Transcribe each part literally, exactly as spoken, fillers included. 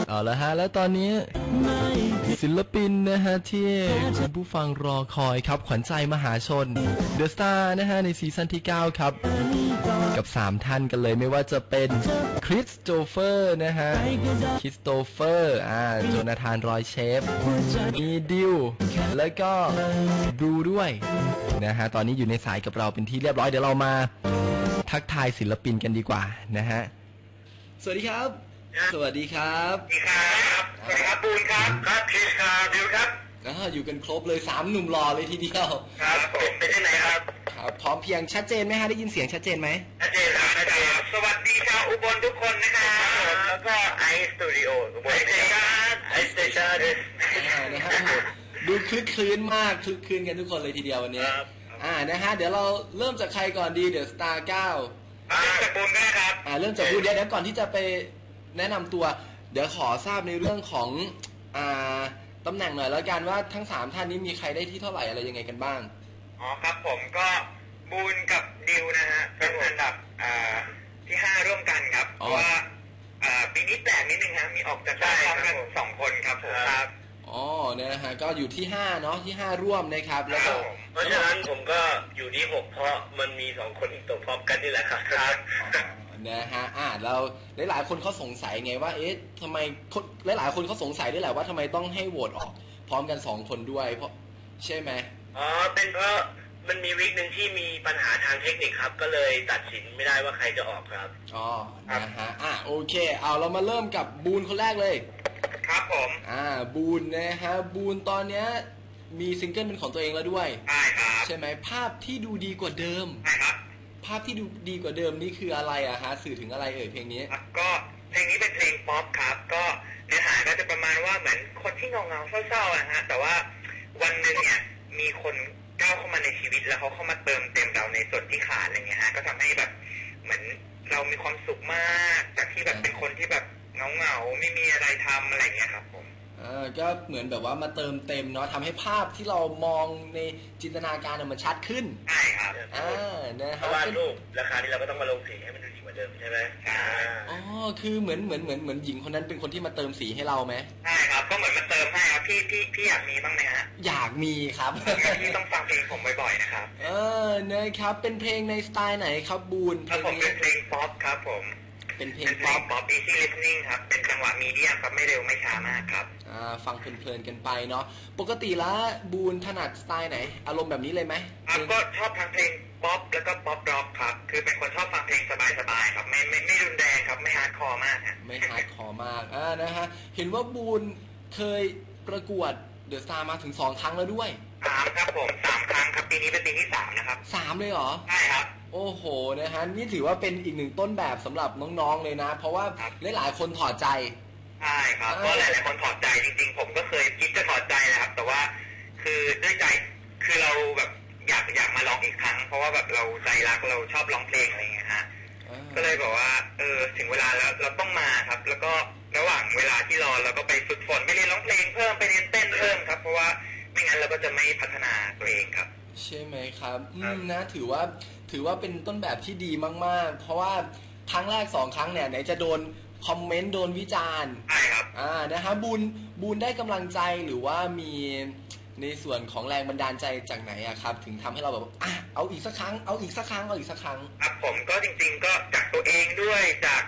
เอาละฮะแล้วตอนนี้ศิลปินนะฮะที่คุณผู้ฟังรอคอยครับขวัญใจมหาชน The Star นะฮะในซีซั่นที่เก้าครับกับสามท่านกันเลยไม่ว่าจะเป็นคริสโตเฟอร์นะฮะคริสโตเฟอร์อ่าโจนาธานรอยเชฟมีดิวแล้วก็บรูด้วยนะฮะตอนนี้อยู่ในสายกับเราเป็นที่เรียบร้อยเดี๋ยวเรามาทักทายศิลปินกันดีกว่านะฮะสวัสดีครับสวัสดีครับสวัสดีครับสวัสดีครับปูนครับครับคริสครับดิวครับอ่าอยู่กันครบเลยสามหนุ่มหล่อเลยทีเดียวครับผมเป็นที่ไหนครับครับพร้อมเพียงชัดเจนไหมฮะได้ยินเสียงชัดเจนไหมชัดเจนครับชัดเจนสวัสดีชาวอุบลทุกคนนะครับแล้วก็ไอสตูดิโออุบลสเตชันไอสเตชันนะฮะดูคลึกคลื้นมากคลึกคลื้นกันทุกคนเลยทีเดียววันนี้อ่านะฮะเดี๋ยวเราเริ่มจากใครก่อนดีเดี๋ยวสตาร์เก้าอ่าจากปูนก็ได้ครับอ่าเริ่มจากปูนเดี๋ยวเดี๋ยวก่อนที่จะไปแนะนำตัวเดี๋ยวขอทราบในเรื่องของอ่าตำแหน่งหน่อยแล้วกันว่าทั้งสามท่านนี้มีใครได้ที่เท่าไหร่อะไรยังไงกันบ้างอ๋อครับผมก็บูนกับดิวนะฮะเป็นอันดับอ่าที่ห้าร่วมกันครับเพราะว่าอ่าปีนี้แปลกนิดนึงฮะมีออกจากบ้านพร้อมกันสองคนครับผมครับอ๋อเนี่ยนะฮะก็อยู่ที่ห้าเนาะที่ห้าร่วมนะครับแล้วก็เพราะฉะนั้นผมก็อยู่ที่หกเพราะมันมีสองคนอีกตัวพร้อมกันนี่แหละครับนะฮะอ่าเราหลายๆคนเขาสงสัยไงว่าเอ๊ะทำไมหลายๆคนเขาสงสัยด้วยแหละว่าทำไมต้องให้โหวตออกพร้อมกันสองคนด้วยเพราะใช่ไหมอ๋อเป็นเพราะมันมีวิกหนึ่งที่มีปัญหาทางเทคนิคครับก็เลยตัดสินไม่ได้ว่าใครจะออกครับอ๋อนะฮะอ่าโอเคเอาเรามาเริ่มกับบูนคนแรกเลยครับผมอ่าบูนนะฮะบูนตอนเนี้ยมีซิงเกิลเป็นของตัวเองแล้วด้วยใช่ครับใช่ไหมภาพที่ดูดีกว่าเดิมใช่ครับภาพที่ดูดีกว่าเดิมนี่คืออะไรอะฮะสื่อถึงอะไรเอ่ยเพลงนี้ก็เพลงนี้เป็นเพลงป๊อปครับก็เนื้อหาก็จะประมาณว่าเหมือนคนที่เงาเงาเศร้าๆนะฮะแต่ว่าวันหนึ่งเนี่ยมีคนก้าวเข้ามาในชีวิตแล้วเขาเข้ามาเติมเต็มเราในส่วนที่ขาดอะไรเงี้ยฮะก็ทำให้แบบเหมือนเรามีความสุขมากจากที่แบบเป็นคนที่แบบเงาเงาไม่มีอะไรทำอะไรเงี้ยครับผมอ่าก็เหมือนแบบว่ามาเติมเต็มเนาะทำให้ภาพที่เรามองในจินตนาการมันชัดขึ้นใช่ครับอ่านะฮะวาดรูปราคานี้เราก็ต้องมาลงสีให้มันดูดีกว่าเดิมใช่ไหมใช่อ๋อคือเหมือนเหมือนเหมือนเหมือนหญิงคนนั้นเป็นคนที่มาเติมสีให้เราไหมใช่ครับก็เหมือนมาเติมให้ครับพี่พี่พี่อยากมีบ้างไหมฮะอยากมีครับพี่ต้องฟังเพลงผมบ่อยๆนะครับเออนะครับเป็นเพลงในสไตล์ไหนครับบูนครับผมเป็นเพลงป๊อปครับผมเป็นเพลงป๊อปป๊อป easy listening ครับเป็นจังหวะมีเดียมครับไม่เร็วไม่ช้ามากครับอ่าฟังเพลินๆกันไปเนาะปกติแล้วบูนถนัดสไตล์ไหนอารมณ์แบบนี้เลยไหมครับก็ชอบทั้งเพลงป๊อปแล้วก็ป๊อปร็อกครับคือเป็นคนชอบฟังเพลงสบายๆครับไม่ไม่ไม่รุนแรงครับไม่ฮาร์ดคอร์มากฮะไม่ฮาร์ดคอร์มากอ่านะฮะเห็นว่าบูนเคยประกวดเดอะสตาร์มาถึงสองครั้งแล้วด้วยสามครับผมสามครั้งครับปีนี้เป็นปีที่สามนะครับสามเลยเหรอใช่ครับโอ้โหนะฮะนี่ถือว่าเป็นอีกหนึ่งต้นแบบสำหรับน้องๆเลยนะเพราะว่าหลายๆคนถอดใจใช่ครับเพราะหลายๆคนถอดใจจริงๆผมก็เคยคิดจะถอดใจนะครับแต่ว่าคือด้วยใจคือเราแบบอยากอยากมาลองอีกครั้งเพราะว่าแบบเราใจรักเราชอบร้องเพลงอะไรอย่างเงี้ยฮะก็เลยบอกว่าเออถึงเวลาแล้วเราต้องมาครับแล้วก็ระหว่างเวลาที่รอเราก็ไปฝึกฝนไปเรียนร้องเพลงเพิ่มไปเรียนเต้นเพิ่มครับเพราะว่าไม่งั้นเราก็จะไม่พัฒนาตัวเองครับใช่ไหมครับอืมนะถือว่าถือว่าเป็นต้นแบบที่ดีมากๆเพราะว่าครั้งแรกสองครั้งเนี่ยไหนจะโดนคอมเมนต์โดนวิจารณ์ใช่ครับอ่านะฮะบูนบูนได้กำลังใจหรือว่ามีในส่วนของแรงบันดาลใจจากไหนอะครับถึงทำให้เราแบบอ่ะเอาอีกสักครั้งเอาอีกสักครั้งเอาอีกสักครั้งครับผมก็จริงๆก็จากตัวเองด้วยจาก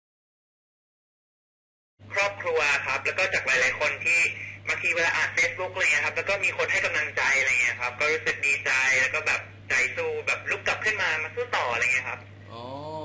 ครอบครัวครับแล้วก็จากหลายๆคนที่บางทีเวลาอ่านเฟซบุ๊กอะไรเงี้ยครับแล้วก็มีคนให้กำลังใจอะไรเงี้ยครับก็รู้สึกดีใจแล้วก็แบบใจสู้แบบลุกกลับขึ้นมามาสู้ต่ออะไรเงี้ยครับอ๋อ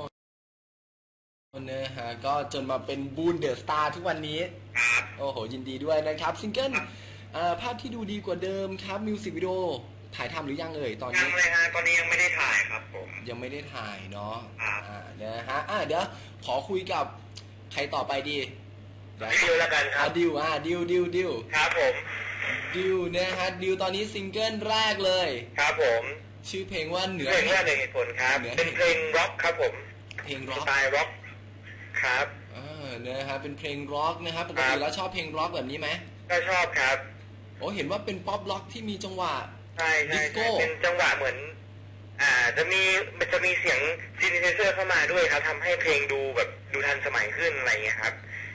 นะฮะก็จนมาเป็นบูนเดอะสตาร์ทุกวันนี้ครับโอ้โหยินดีด้วยนะครับซิงเกิลภาพที่ดูดีกว่าเดิมครับมิวสิกวิดีโอถ่ายทำหรือยังเอ่ยตอนนี้ยังเลยฮะตอนนี้ยังไม่ได้ถ่ายครับผมยังไม่ได้ถ่ายเนาะครับนะฮะอ่าเดี๋ยวขอคุยกับใครต่อไปดีดิวแล้วกันครับดิวอ่าดิวดิวดิวครับผมดิวนะฮะดิวตอนนี้ซิงเกิลแรกเลยครับผมชื่อเพลงว่าเหนือเพลงแรกในเหตุผลครับเป็นเพลงร็อกครับผมเพลงร็อกสไตล์ร็อกครับอ่านะฮะเป็นเพลงร็อกนะครับปกติแล้วชอบเพลงร็อกแบบนี้ไหมก็ชอบครับโอ้เห็นว่าเป็นป๊อปร็อกที่มีจังหวะใช่ใช่เป็นจังหวะเหมือนอ่าจะมีมันจะมีเสียงซินธิไซเซอร์เข้ามาด้วยครับทำให้เพลงดูแบบดูทันสมัยขึ้นอะไรอย่างเงี้ยครับอ่า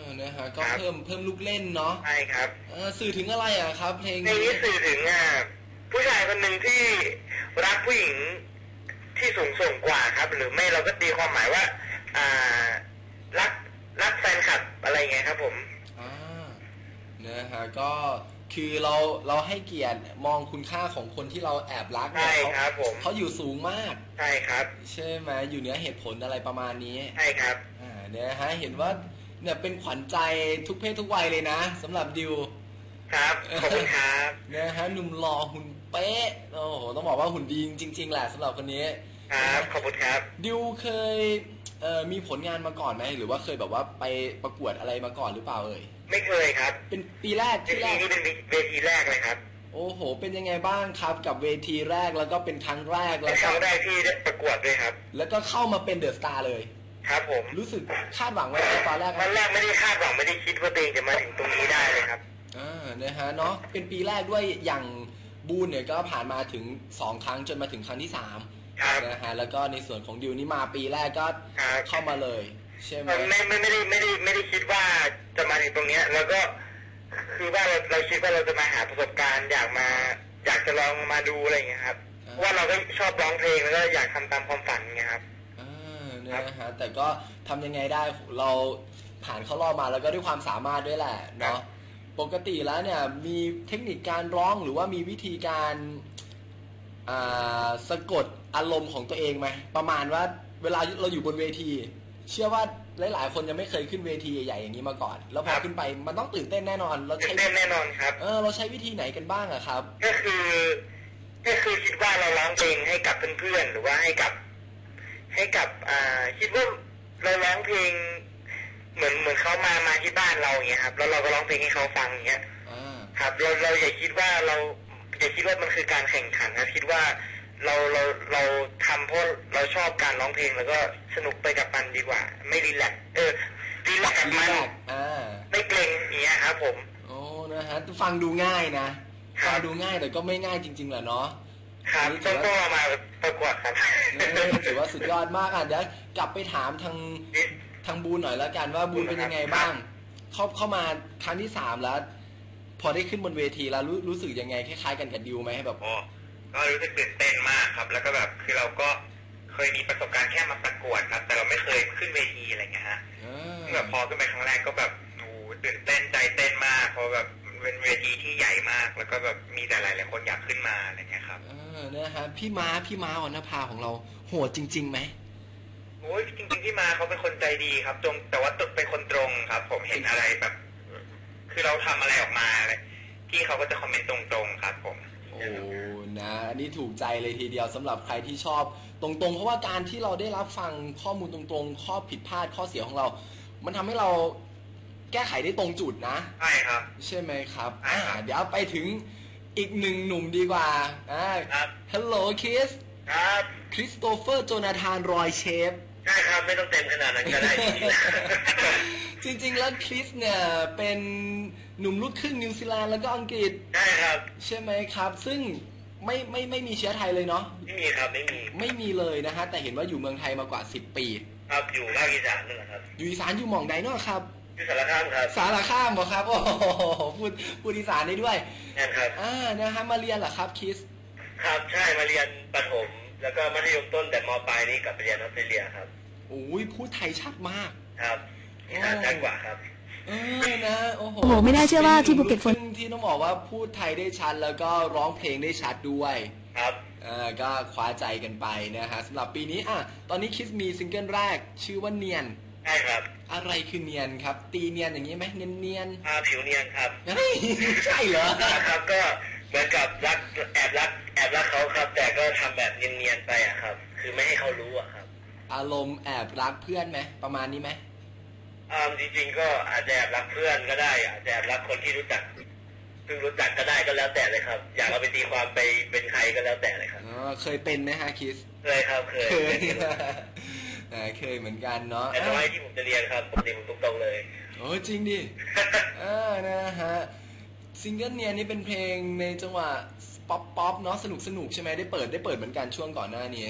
นะฮะก็เพิ่มเพิ่มลูกเล่นเนาะใช่ครับเออสื่อถึงอะไรอ่ะครับเพลงเพลงนี้สื่อถึงอ่ะผู้ชายคนหนึ่งที่รักผู้หญิงที่สูงส่งกว่าครับหรือไม่เราก็ตีความหมายว่าอ่ารักรักแฟนคลับอะไรเงี้ยครับผมอ่านะฮะก็คือเราเราให้เกียรติมองคุณค่าของคนที่เราแอบรักเนี่ยเขาเขาอยู่สูงมากใช่ครับใช่ไหมอยู่เหนือเหตุผลอะไรประมาณนี้ใช่ครับอ่าเนี่ยฮะเห็นว่าเนี่ยเป็นขวัญใจทุกเพศทุกวัยเลยนะสำหรับดิวครับขอบคุณครับนะฮะหนุ่มหล่อหุ่นเป๊ะโอ้โหต้องบอกว่าหุ่นดีจริงๆแหละสำหรับคนนี้ครับขอบคุณครับดิวเคยเอ่อมีผลงานมาก่อนไหมหรือว่าเคยแบบว่าไปประกวดอะไรมาก่อนหรือเปล่าเอ่ยไม่เคยครับเป็นปีแรกที่แรกนี่เป็นเวทีแรกเลยครับโอ้โหเป็นยังไงบ้างครับกับเวทีแรกแล้วก็เป็นครั้งแรกแล้วครั้งแรกที่ได้ประกวดด้วยครับแล้วก็เข้ามาเป็นเดอะสตาร์เลยครับผมรู้สึกคาดหวังไว้ตอนแรกตอนแรกไม่ได้คาดหวังไม่ได้คิดว่าตัวเองจะมาถึงตรงนี้ได้เลยครับอ่านะฮะเนาะเป็นปีแรกด้วยอย่างบูนเนี่ยก็ผ่านมาถึงสองครั้งจนมาถึงครั้งที่สามนะฮะแล้วก็ในส่วนของดิวนี่มาปีแรกก็เข้ามาเลยใช่ไหมไม่ไม่ไม่ได้ไม่ได้ไม่ได้คิดว่าจะมาถึงตรงนี้แล้วก็คือว่าเราเราคิดว่าเราจะมาหาประสบการณ์อยากมาอยากจะลองมาดูอะไรอย่างเงี้ยครับว่าเราก็ชอบร้องเพลงแล้วก็อยากทำตามความฝันไงครับอ่านะฮะแต่ก็ทำยังไงได้เราผ่านเข้ารอบมาแล้วก็ด้วยความสามารถด้วยแหละเนาะปกติแล้วเนี่ยมีเทคนิคการร้องหรือว่ามีวิธีการอ่าสะกดอารมณ์ของตัวเองไหมประมาณว่าเวลาเราอยู่บนเวทีเชื่อว่าหลายๆคนยังไม่เคยขึ้นเวทีใหญ่ๆอย่างนี้มาก่อนแล้วพอขึ้นไปมันต้องตื่นเต้นแน่นอนเราใช้ตื่นเต้นแน่นอนครับเออเราใช้วิธีไหนกันบ้างอะครับก็คือก็คือคิดว่าเราร้องเพลงให้กับเพื่อนๆหรือว่าให้กับให้กับอ่าคิดว่าเราร้องเพลงเหมือนเหมือนเขามามาที่บ้านเราอย่างเงี้ยครับแล้วเราก็ร้องเพลงให้เขาฟังอย่างเงี้ยครับเราเราอย่าคิดว่าเราอย่าคิดว่ามันคือการแข่งขันนะคิดว่าเราเราเราทำเพราะเราชอบการร้องเพลงแล้วก็สนุกไปกับมันดีกว่าไม่รีแลกเออรีแลกกับมันไม่เกรงอย่างเงี้ยครับผมโอ้นะฮะฟังดูง่ายนะฟังดูง่ายแต่ก็ไม่ง่ายจริงๆแหละเนาะครับต้องต้องมาประกวดครับถือว่าสุดยอดมากอ่ะเดี๋ยวกลับไปถามทางทางบูนหน่อยแล้วกันว่าบูนเป็นยังไงบ้างเข้าเข้ามาครั้งที่สามแล้วพอได้ขึ้นบนเวทีแล้วรู้รู้สึกยังไงคล้ายๆกันกับดิวไหมแบบก็รู้สึกตื่นเต้นมากครับแล้วก็แบบคือเราก็เคยมีประสบการณ์แค่มาประกวดครับแต่เราไม่เคยขึ้นเวทีอะไรเงี้ยฮะแบบพอขึ้นไปครั้งแรกก็แบบโอ้ตื่นเต้นใจเต้นมากเพราะแบบเป็นเวทีที่ใหญ่มากแล้วก็แบบมีแต่หลายๆคนอยากขึ้นมาอะไรเงี้ยครับเออนะฮะพี่ม้าพี่ม้าวรรณภาของเราโหดจริงๆไหมโอ้ยจริงๆพี่ม้าเขาเป็นคนใจดีครับตรงแต่ว่าเป็นคนตรงครับผมเห็นอะไรแบบคือเราทำอะไรออกมาพี่เขาก็จะคอมเมนต์ตรงๆครับผมโอ้นะอันนี้ถูกใจเลยทีเดียวสำหรับใครที่ชอบตรงๆเพราะว่าการที่เราได้รับฟังข้อมูลตรงๆข้อผิดพลาดข้อเสียของเรามันทำให้เราแก้ไขได้ตรงจุดนะใช่ครับใช่ไหมครับอ่าเดี๋ยวไปถึงอีกหนึ่งหนุ่มดีกว่าอ่าฮัลโหลคริสครับคริสโตเฟอร์โจนาธานรอยเชฟใช่ครับไม่ต้องเต็มขนาดนั้นก็ได้จริงๆแล้วคริสเนี่ยเป็นหนุ่มลูกครึ่งนิวซีแลนด์แล้วก็อังกฤษใช่ครับใช่ไหมครับซึ่งไม่ไม่ไม่มีเชื้อไทยเลยเนาะไม่มีครับไม่มีไม่มีเลยนะฮะแต่เห็นว่าอยู่เมืองไทยมากว่าสิบปีครับอยู่ภาคอีสานนี่แหละครับอยู่อีสานอยู่หม่องใดเนาะครับอยู่สารคามครับสารคามเหรอครับโอ้โหพูดพูดอีสานได้ด้วยใช่ครับอ่านะฮะมาเรียนเหรอครับคริสครับใช่มาเรียนประถมแล้วก็มัธยมต้นแต่ม.ปลายนี่กลับไปเรียนออสเตรเลียครับโอ้ยพูดไทยชัดมากครับอีสานชัดกว่าครับเออนะโอ้โหไม่น่าเชื่อว่าที่ภูเก็ตฝนที่ต้องบอกว่าพูดไทยได้ชัดแล้วก็ร้องเพลงได้ชัดด้วยครับอ่าก็คว้าใจกันไปนะฮะสำหรับปีนี้อ่ะตอนนี้คิดมีซิงเกิลแรกชื่อว่าเนียนใช่ครับอะไรคือเนียนครับตีเนียนอย่างนี้ไหมเนียนเนียนอ่าผิวเนียนครับใช่เหรอครับก็เหมือนกับรักแอบรักแอบรักเขาครับแต่ก็ทำแบบเนียนๆไปอะครับคือไม่ให้เขารู้อะครับอารมณ์แอบรักเพื่อนไหมประมาณนี้ไหมอ่าจริงๆก็อาจจะแอบรักเพื่อนก็ได้อาจจะแอบรักคนที่รู้จักเพิ่งรู้จักก็ได้ก็แล้วแต่เลยครับอยากเอาไปตีความไปเป็นใครก็แล้วแต่เลยครับอ๋อเคยเป็นไหมฮะคิสเคยครับเคยเคยเคยเหมือนกันเนาะแต่ตอนที่ผมจะเรียนครับผมเรียนตรงๆเลยโอ้จริงดิอ่านะฮะซิงเกิลเนียนี่เป็นเพลงในจังหวะป๊อปป๊อปเนาะสนุกสนุกใช่ไหมได้เปิดได้เปิดเหมือนกันช่วงก่อนหน้านี้ค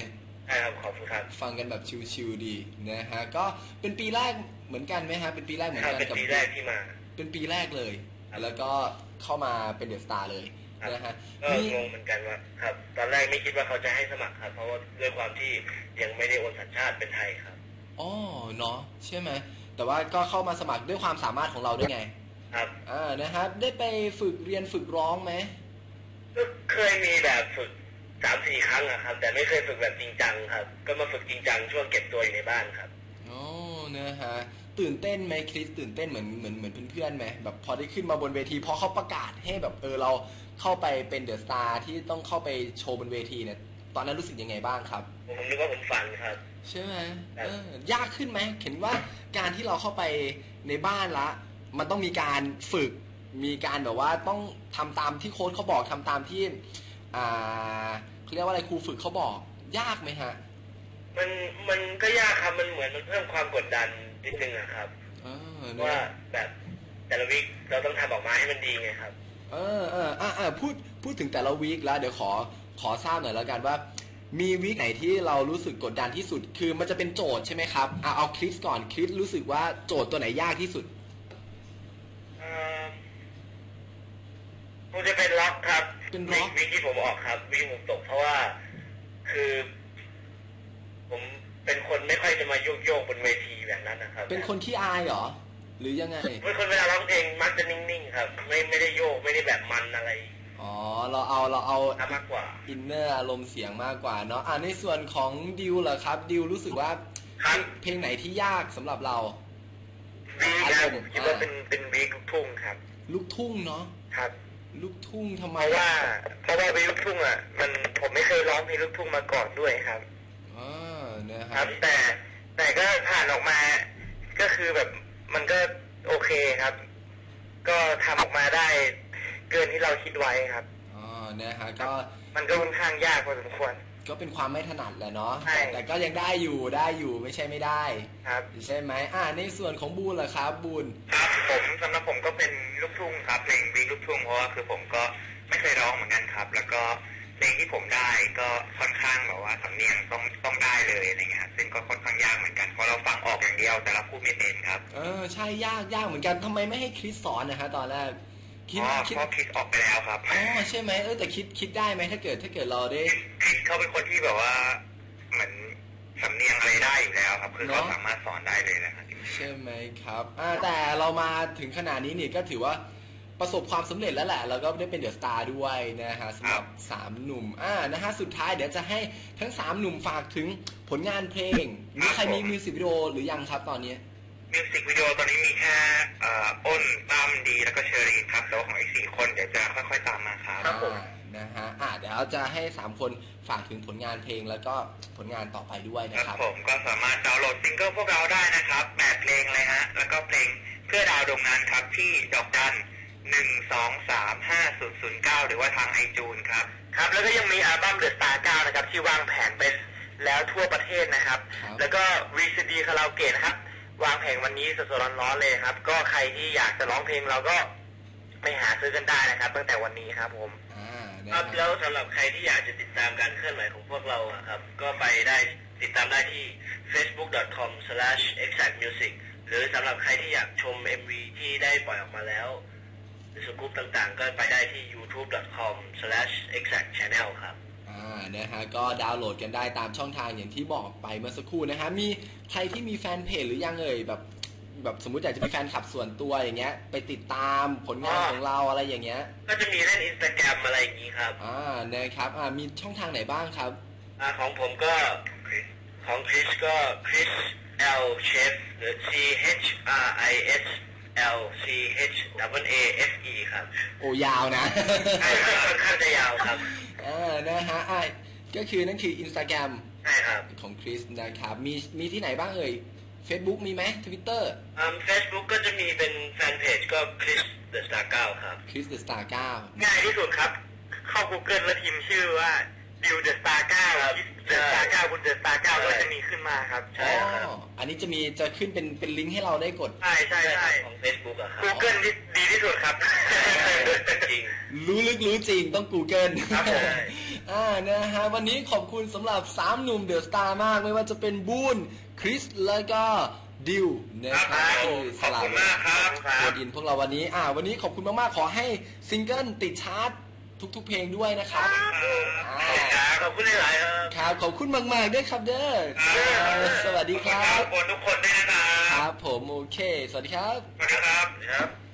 ใช่ครับขอบคุณครับฟังกันแบบชิลๆดีนะฮะก็เป็นปีแรกเหมือนกันไหมฮะเป็นปีแรกเหมือนกันเป็นปีแรกที่มาเป็นปีแรกเลยแล้วก็เข้ามาเป็นเดอะสตาร์เลยนะฮะก็งงเหมือนกันว่าครับตอนแรกไม่คิดว่าเขาจะให้สมัครครับเพราะว่าด้วยความที่ยังไม่ได้โอนสัญชาติเป็นไทยครับอ๋อเนาะใช่ไหมแต่ว่าก็เข้ามาสมัครด้วยความสามารถของเราด้วยไงครับอ่านะฮะได้ไปฝึกเรียนฝึกร้องไหมก็เคยมีแบบฝึกสามสี่ครั้งอะครับแต่ไม่เคยฝึกแบบจริงจังครับก็มาฝึกจริงจังช่วงเก็บตัวอยู่ในบ้านครับอ๋อนะฮะตื่นเต้นไหมคริสตื่นเต้นเหมือนเหมือนเหมือนเพื่อนๆไหมแบบพอได้ขึ้นมาบนเวทีพอเขาประกาศให้แบบเออเราเข้าไปเป็นเดอะสตาร์ที่ต้องเข้าไปโชว์บนเวทีเนี่ยตอนนั้นรู้สึกยังไงบ้างครับผมนึกว่าผมฝันครับใช่ไหมเออยากขึ้นไหมเห็นว่าการที่เราเข้าไปในบ้านละมันต้องมีการฝึกมีการแบบว่าต้องทำตามที่โค้ชเขาบอกทำตามที่อ่าเขาเรียกว่าอะไรครูฝึกเขาบอกยากไหมฮะมันมันก็ยากครับมันเหมือนมันเพิ่มความกดดันนิดนึงอะครับว่าแบบแต่ละวีคเราต้องทำออกมาให้มันดีไงครับเออเอออ่าอ่าพูดพูดถึงแต่ละวีคแล้วเดี๋ยวขอขอทราบหน่อยแล้วกันว่ามีวีคไหนที่เรารู้สึกกดดันที่สุดคือมันจะเป็นโจทย์ใช่ไหมครับเอาเอาคริสก่อนคริสรู้สึกว่าโจทย์ตัวไหนยากที่สุดเออคงจะเป็นล็อกครับเป็นล็อกวีคที่ผมออกครับวีคผมตกเพราะว่าคือผมเป็นคนไม่ค่อยจะมาโยกโยกบนเวทีแบบนั้นนะครับเป็นคนขี้อายเหรอหรือยังไงเป็นคนเวลาร้องเพลงมักจะนิ่งๆครับไม่ไม่ได้โยกไม่ได้แบบมันอะไรอ๋อเราเอาเราเอามากกว่าอินเนอร์อารมณ์เสียงมากกว่าเนาะอ่าในส่วนของดิวเหรอครับดิวรู้สึกว่าเพลงไหนที่ยากสำหรับเราวีคผมคิดว่าเป็นเป็นวีคลูกทุ่งครับลูกทุ่งเนาะครับลูกทุ่งทำไมเพราะว่าเพราะว่าวีคลูกทุ่งอ่ะมันผมไม่เคยร้องเพลงลูกทุ่งมาก่อนด้วยครับอ๋อนะครับแต่แต่ก็ผ่านออกมาก็คือแบบมันก็โอเคครับก็ทำออกมาได้เกินที่เราคิดไว้ครับอ๋อนะฮะก็มันก็ค่อนข้างยากพอสมควรก็เป็นความไม่ถนัดแหละเนาะแต่ก็ยังได้อยู่ได้อยู่ไม่ใช่ไม่ได้ครับใช่ไหมอ่าในส่วนของบูนล่ะครับบูนครับผมสำหรับผมก็เป็นลูกทุ่งครับเพลงวีลูกทุ่งเพราะว่าคือผมก็ไม่เคยร้องเหมือนกันครับแล้วก็เพลงที่ผมได้ก็ค่อนข้างแบบว่าสำเนียงต้องต้องได้เลยอะไรเงี้ยซึ่งก็ค่อนข้างยากเหมือนกันเพราะเราฟังออกอย่างเดียวแต่เราพูดไม่เป็นครับเออใช่ยากยากเหมือนกันทำไมไม่ให้คริสสอนนะฮะตอนแรกคิดคิดเพราะคิดออกไปแล้วครับอ๋อใช่ไหมเออแต่คิดคิดได้ไหมถ้าเกิดถ้าเกิดเราได้คิดเขาเป็นคนที่แบบว่าเหมือนสำเนียงอะไรได้อยู่แล้วครับคือเขาสามารถสอนได้เลยนะครับใช่ไหมครับอ่าแต่เรามาถึงขนาดนี้นี่ก็ถือว่าประสบความสำเร็จแล้วแหละแล้วก็ได้เป็นเดอะสตาร์ด้วยนะฮะสำหรับสามหนุ่มอ่านะฮะสุดท้ายเดี๋ยวจะให้ทั้งสามหนุ่มฝากถึงผลงานเพลงมีใครมีมิวสิกวิดีโอหรือยังครับตอนนี้มิวสิกวิดีโอตอนนี้มีแค่อ้นตั้มดีแล้วก็เชอรีครับแต่ว่าของอีกสี่คนเดี๋ยวจะค่อยๆตามมาครับครับผมนะฮะอ่าเดี๋ยวเราจะให้สามคนฝากถึงผลงานเพลงแล้วก็ผลงานต่อไปด้วยนะครับผมก็สามารถดาวน์โหลดซิงเกิลพวกเราได้นะครับแปดเพลงเลยฮะแล้วก็เพลงเพื่อดาวดวงนั้นครับที่ดอกจันหนึ่งสองสามห้าศูนย์ศูนย์เก้าหรือว่าทางไอจูนครับครับแล้วก็ยังมีอัลบั้มเดอะสตาร์เก้านะครับที่วางแผนไปแล้วทั่วประเทศนะครับแล้วก็วีซีดีคาราโอเกะนะครับวางแผงวันนี้สดๆร้อนๆเลยครับก็ใครที่อยากจะร้องเพลงเราก็ไปหาซื้อกันได้นะครับตั้งแต่วันนี้ครับผมครับแล้วสำหรับใครที่อยากจะติดตามการเคลื่อนไหวของพวกเราครับก็ไปได้ติดตามได้ที่ เฟซบุ๊ก ดอท คอม สแลช เอ็กแซค มิวสิก หรือสำหรับใครที่อยากชม เอ็ม วี ที่ได้ปล่อยออกมาแล้วหรือสกู๊ปต่างๆก็ไปได้ที่ ยูทูบ ดอท คอม สแลช เอ็กแซค ชาแนล ครับอ่านะฮะก็ดาวน์โหลดกันได้ตามช่องทางอย่างที่บอกไปเมื่อสักครู่นะฮะมีใครที่มีแฟนเพจหรือยังเอ่ยแบบแบบสมมุติอยากจะมีแฟนคลับส่วนตัวอย่างเงี้ยไปติดตามผลงานของเราอะไรอย่างเงี้ยก็จะมีเล่น Instagram อะไรอย่างงี้ครับอ่านะครับอ่ามีช่องทางไหนบ้างครับอ่าของผมก็ของคริสก็คริส L Chef หรือ C H R I S L C H W A F E ครับโอ้ยาวนะใช่ครับค่อนข้างจะยาวครับอ่านะฮะอ่าก็คือนั่นคือ Instagram ใช่ครับของคริสนะครับมีมีที่ไหนบ้างเอ่ยFacebook มีไหม Twitter อ่า Facebook ก็จะมีเป็นแฟนเพจก็ Chris The Star เก้าครับ Chris The Star เก้าง่ายที่สุดครับเข้า Google แล้วพิมพ์ชื่อว่า ดิว The Star เก้าครับ The Star เก้าบน The Star เก้าก็จะมีขึ้นมาครับใช่ครับอันนี้จะมีจะขึ้นเป็นเป็นลิงก์ให้เราได้กดใช่ใช่ใช่ของ Facebook อะครับ Google ดีที่สุดครับจริงรู้ลึกรู้จริงต้อง Google ครับอ่านะฮะวันนี้ขอบคุณสำหรับสามหนุ่มเดอะสตาร์มากไม่ว่าจะเป็นบูนคริสแล้วก็ดิวนะครับที่สลับโคดอินพวกเราวันนี้อ่าวันนี้ขอบคุณมากๆขอให้ซิงเกิลติดชาร์ตทุกๆเพลงด้วยนะครับขอบคุณหลายๆครับครับขอบคุณมากๆด้วยครับเด้อสวัสดีครับขอบคุณทุกคนด้วยนะครับครับผมโอเคสวัสดีครับสวัสดีครับ